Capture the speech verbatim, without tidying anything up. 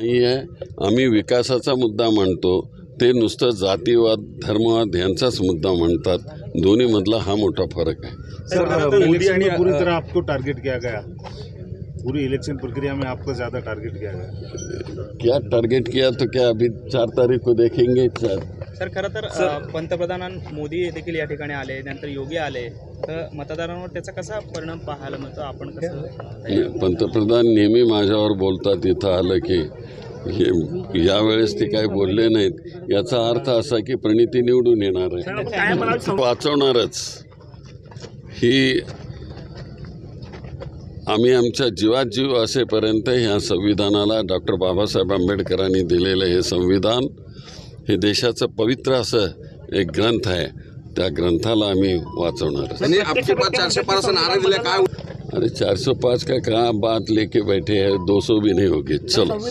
नाही आहे. आम्ही विकासाचा मुद्दा मांडतो, ते नुसतं जातीवाद धर्मवाद यांचाच मुद्दा म्हणतात. दोन्हीमधला हा मोठा फरक आहे. सर, मोदी ने पूरी तरह आपको टारगेट किया गया, पूरी इलेक्शन प्रक्रिया में आपको ज़्यादा टारगेट किया गया। क्या टारगेट किया तो क्या अभी चार तारीख को देखेंगे। चार सर खरं तर पंतप्रधान मोदी देखील या ठिकाणी आले, नंतर योगी आले, तर मतदारांवर त्याचा कसा परिणाम पाहायला मिळतो, आपण कसं? पंतप्रधान नेहमी माझ्यावर बोलतात, इथं आलं की हे यावेळेस ते काही बोलले नाहीत, याचा अर्थ असा की प्रणिती निवडून येणार आहे, वाचवणारच. ही आम्ही आमच्या जीवात जीव असेपर्यंत ह्या संविधानाला डॉक्टर बाबासाहेब आंबेडकरांनी दिलेलं हे संविधान हे देशाचं पवित्र असं एक ग्रंथ आहे, त्या ग्रंथाला आम्ही वाचवणार. अरे चार सौ पाँच का कहाँ बात लेके बैठे हैं, दो सौ भी नहीं होगी. चलो.